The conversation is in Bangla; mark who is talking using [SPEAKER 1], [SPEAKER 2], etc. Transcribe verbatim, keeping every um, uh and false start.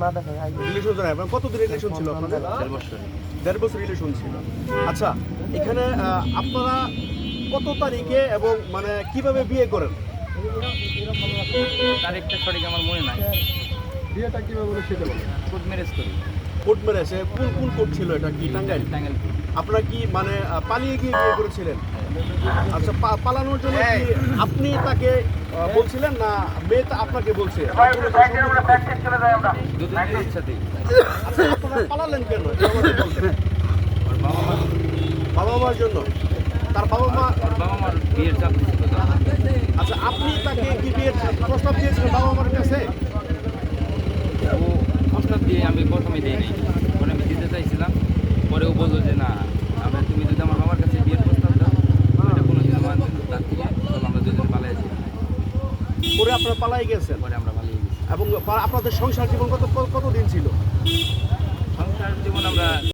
[SPEAKER 1] না দেখে
[SPEAKER 2] রিলেশন জানাই আপনার কতদিন রিলেশন ছিল আপনাদের?
[SPEAKER 3] দেড় বছর
[SPEAKER 2] দেড় বছর রিলেশন ছিল। আচ্ছা, এখানে আহ, আপনারা কত তারিখে এবং মানে কিভাবে বিয়ে করেন?
[SPEAKER 3] তারিখটা সঠিক আমার মনে নাই।
[SPEAKER 2] বিয়েটা কিভাবে বলে সেটা বলেন।
[SPEAKER 3] কোর্ট ম্যারেজ করি।
[SPEAKER 2] কোর্ট ম্যারেজে কোন কোন কোর্ট ছিল এটা? কি টাঙ্গাইল?
[SPEAKER 3] টাঙ্গাইল।
[SPEAKER 2] আপনারা কি মানে আহ, পালিয়ে গিয়ে বিয়ে করেছিলেন? আচ্ছা, পা- পালানোর জন্য কি আপনি তাকে আহ, বলছিলেন না মেয়ে তা আপনাকে বলছে?
[SPEAKER 3] দুজনের ইচ্ছাতেই।
[SPEAKER 2] আচ্ছা, আপনারা পালালেন কেন এটা আমাকে বলবেন।
[SPEAKER 3] ওর বাবা মা
[SPEAKER 2] বাবা মার জন্য? তার বাবা মা?
[SPEAKER 3] ওর বাবা মার বিয়ের চাপ ছিল তো।
[SPEAKER 2] আচ্ছা, আপনি তাকে কি বিয়ের প্রস্তাব দিয়েছিলেন বাবা মার কাছে?
[SPEAKER 3] ও প্রস্তাব দিয়ে আমি প্রথমে দিই নাই, পরে আমি দিতে চাইছিলাম। পরে ও বললো যে না, আমরা তুমি যদি আমার বাবার কাছে বিয়ের প্রস্তাব দাও এটা কোনো দিন মানবে না, তার থেকে চলো আমরা দুজন পালাই যাই।
[SPEAKER 2] পরে আপনারা পালাই গেছেন
[SPEAKER 3] পরে আমরা পালিয়ে গেছি।
[SPEAKER 2] এবং আপনাদের সংসার জীবন কত কতদিন ছিল?
[SPEAKER 3] সংসার জীবন আমরা